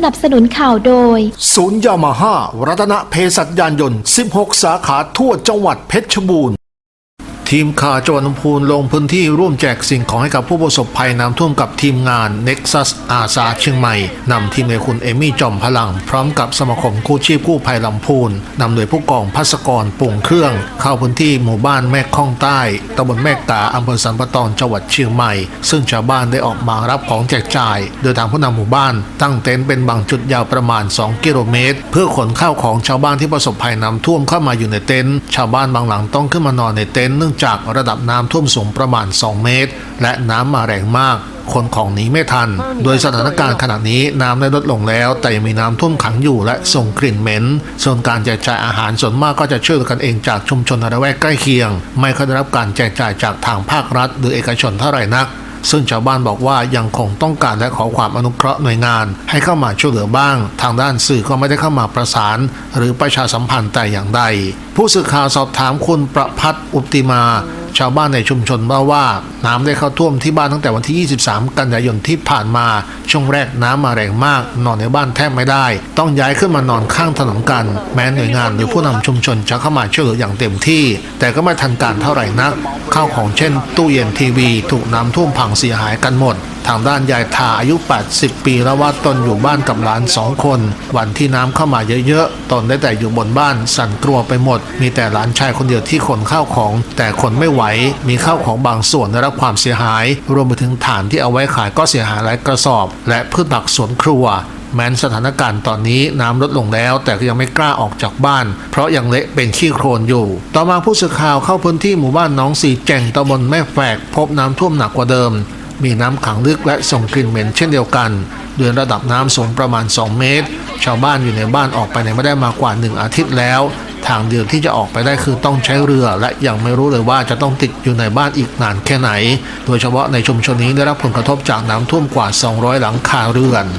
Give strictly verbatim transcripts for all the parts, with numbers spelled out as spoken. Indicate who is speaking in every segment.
Speaker 1: นับสนุนข่าวโดย
Speaker 2: ศูนย์ยามาฮ่ารัตนเภสัชยานยนต์สิบหกสาขาทั่วจังหวัดเพชรบูรณ์ทีมข่าวจังหวัดลำพูนลงพื้นที่ร่วมแจกสิ่งของให้กับผู้ประสบภัยน้ำท่วมกับทีมงาน Nexus อาสาเชียงใหม่นำทีมโดยคุณเอมี่จอมพลังพร้อมกับสมาคมกู้ชีพกู้ภัยลำพูนนำโดยผู้กองภัสกรปุ่งเครื่องเข้าพื้นที่หมู่บ้านแม่ข้องใต้ตำบลแม่กาอำเภอสันปะตองจังหวัดเชียงใหม่ซึ่งชาวบ้านได้ออกมารับของแจกจ่ายโดยทางผู้นำหมู่บ้านตั้งเต็นท์เป็นบางจุดยาวประมาณสองกิโลเมตรเพื่อขนข้าวของชาวบ้านที่ประสบภัยน้ำท่วมเข้ามาอยู่ในเต็นท์ชาวบ้านบางหลังต้องขึ้นมานอนในเต็นท์เนื่องจากระดับน้ำท่วมสูงประมาณสองเมตรและน้ำมาแรงมากคนของหนีไม่ทันโดยสถานการณ์ขณะนี้น้ำได้ลดลงแล้วแต่ยังมีน้ำท่วมขังอยู่และส่งกลิ่นเหม็นส่วนการแจกจ่ายอาหารส่วนมากก็จะช่วยกันเองจากชุมชนระแวกใกล้เคียงไม่ค่อยได้รับการแจกจ่ายจากทางภาครัฐหรือเอกชนเท่าไหร่นักซึ่งชาวบ้านบอกว่ายังคงต้องการและขอความอนุเคราะห์หน่วยงานให้เข้ามาช่วยเหลือบ้างทางด้านสื่อก็ไม่ได้เข้ามาประสานหรือประชาสัมพันธ์แต่อย่างใดผู้สื่อข่าวสอบถามคุณประภัทรอุตติมาชาวบ้านในชุมชนเล่าว่าน้ำได้เข้าท่วมที่บ้านตั้งแต่วันที่ยี่สิบสามกันยายนที่ผ่านมาช่วงแรกน้ำมาแรงมากนอนในบ้านแทบไม่ได้ต้องย้ายขึ้นมานอนข้างถนนกันแม้หน่วยงานหรือผู้นำชุมชนจะเข้ามาช่วยเหลืออย่างเต็มที่แต่ก็ไม่ทันการเท่าไหร่นักข้าวของเช่นตู้เย็นทีวีถูกน้ำท่วมพังเสียหายกันหมดทางด้านยายทาอายุแปดสิบปีแล้วว่าตนอยู่บ้านกับหลานสองคนวันที่น้ำเข้ามาเยอะๆตนได้แต่อยู่บนบ้านสั่นกลัวไปหมดมีแต่หลานชายคนเดียวที่ขนข้าวของแต่ขนไม่ไหวมีข้าวของบางส่วนได้รับความเสียหายรวมไปถึงฐานที่เอาไว้ขายก็เสียหายหลายกระสอบและพืชผักสวนครัวแม้นสถานการณ์ตอนนี้น้ำลดลงแล้วแต่ก็ยังไม่กล้าออกจากบ้านเพราะยังเละเป็นขี้โคลนอยู่ต่อมาผู้สื่อข่าวเข้าพื้นที่หมู่บ้านหนองสีแจ่งตำบลแม่แฝกพบน้ำท่วมหนักกว่าเดิมมีน้ำขังลึกและส่งกลิ่นเหม็นเช่นเดียวกันโดยระดับน้ำสูงประมาณสองเมตรชาวบ้านอยู่ในบ้านออกไปไหนไม่ได้มากว่าหนึ่งอาทิตย์แล้วทางเดียวที่จะออกไปได้คือต้องใช้เรือและยังไม่รู้เลยว่าจะต้องติดอยู่ในบ้านอีกนานแค่ไหนโดยเฉพาะในชุมชนนี้ได้รับผลกระทบจากน้ำท่วมกว่าสองร้อยหลังคาเรือน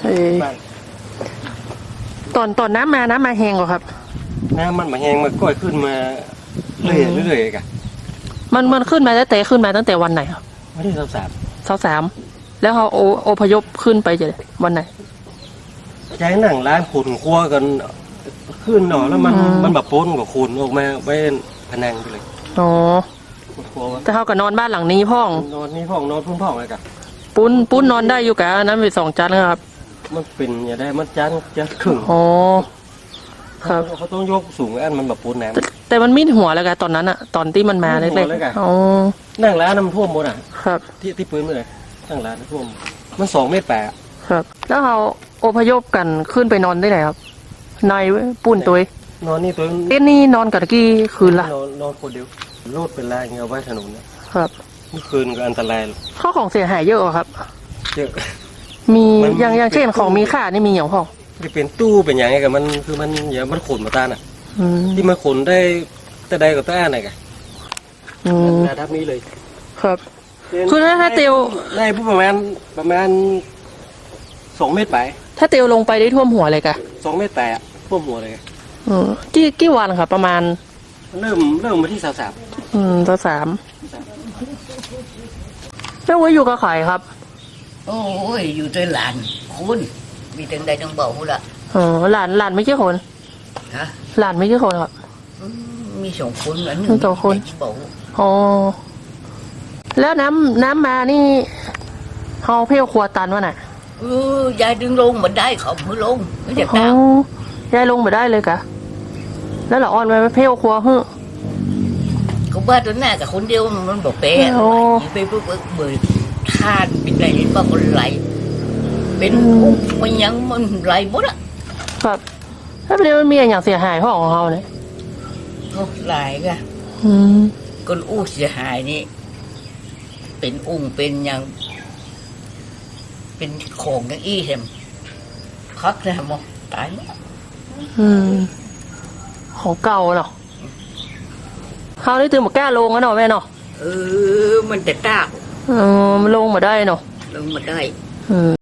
Speaker 3: ตอนตอนน้ำมาน้ำมาแห้งกว่าครับ
Speaker 4: น้ำมันมาแห้งมันก้อยขึ้นมาเรื่อยๆเรื่อยๆกัน
Speaker 3: มันมันขึ้นมาตั้งแต่ขึ้นมาตั้งแต่วันไหนครับ
Speaker 4: วันที่สามสาม
Speaker 3: สามสามแล้วเขาโอโอพยพขึ้นไปจะวันไหน
Speaker 4: ใจหนังร้านขุนครัวกันขึ้นหน่อแล้วมันมันแบบป้นกับขุนออกมาไว้พนังไปเลย
Speaker 3: อ๋อแต่เขาก็นอนบ้านหลังนี้พ่อง
Speaker 4: นอนนี่พ่องนอนพุ่งพ่องอะไรกัน
Speaker 3: ปุ้นปุ้นนอนได้อยู่กันนั้นเป็นสองจานครับ
Speaker 4: มันเป็นอย่างได้มันจานจะครึ่ง
Speaker 3: อ๋อครับ
Speaker 4: เขาต้องยกสูงอันมันแบบปูนแหนม
Speaker 3: แต่มันมิดหัวแล้วกันตอนนั้นอะตอนที่มันมาเล็กๆอ๋อ
Speaker 4: นั่งร้านน้ำท่วมหมดอ่ะ
Speaker 3: ครับ
Speaker 4: ที่ที่ปืนเลยนั่งร้านน้ำท่วมมันสองเมตรแปด
Speaker 3: ครับแล้วเขาอพยพกันขึ้นไปนอนได้ไหนครับในปุ่นตัวน
Speaker 4: อนนี่ตัว
Speaker 3: เต้นนี่นอนกันกี่คืนละ
Speaker 4: นอนนอนคนเดียวโลดเป็นลายเงาไว้ถนน
Speaker 3: ครับ
Speaker 4: เมื่อคืนก็อันตราย
Speaker 3: ข้าวของเสียหายเยอะครับ
Speaker 4: เยอะ
Speaker 3: มีอย่างอย่างเช่นของมีค่านี่มีอย่างพ่อ
Speaker 4: จะเป็นตู้เป็นอย่างไงกับมันคือมันอย่างมันขนมาตาน่ะที่มันขนได้แต่ใดกับแต่ไหนกันระดับนี้เลย
Speaker 3: ครับคือถ้าถ้าเตียว
Speaker 4: ได้ประมาณประมาณสองเมตรไป
Speaker 3: ถ้าเตียวลงไปได้ท่วมหัวเลยกะ
Speaker 4: สองเมตรแปดท่วมหัวเลย
Speaker 3: อืมกี่กี่วันครับประมาณ
Speaker 4: เริ่มเริ่มมาที่สามสาม
Speaker 3: อืมสามสามแล้วไว้อยู่กับใครครับ
Speaker 5: โอ้ยอยู่ด้วยหลานคุณมีถึงใดต้องบอกคุณละ
Speaker 3: อ๋อหลานหลานไม่ใช่คน
Speaker 5: ฮะ
Speaker 3: หลานไม่ใช่คนครับ
Speaker 5: มีสองคนอัน
Speaker 3: หนึ่งสองคนอ๋อแล้วน้ำน้ำมานี่เขาเพี้ยวครัวตันวะน่ะ
Speaker 5: เออยายดึงลงเหมือนได้เขามือลงไม่จะตาม
Speaker 3: ยายลงมาได้เลยกะแล้วหล่ออ่อนไปเพี้ยวครัวฮึ
Speaker 5: เขาบ้าตัวหน้ากับคนเดียวมันบอกเป๊ะไปปุ๊บเบื่อทานเป็นไรนี่บ้าคนไหลเป็นมันยังมันไหลหมดอ่ะ
Speaker 3: ครับถ้าเป็นมันมีอย่างเสียหายพ่อของเขาเนี่ย
Speaker 5: เขาไหลกันคนอู้เสียหายนี่เป็นอุ้งเป็นอย่างเป็นของอย่างอี้เห็มคักเลยมั้งตาย
Speaker 3: อืมของเก่าเนาะเขาได้ตื่นมาแก้ลงแล้วเนาะแม่เนาะ
Speaker 5: เออมันแต่ตา
Speaker 3: เออมันลงมาได้เนาะ
Speaker 5: ลงมาได้
Speaker 3: อืม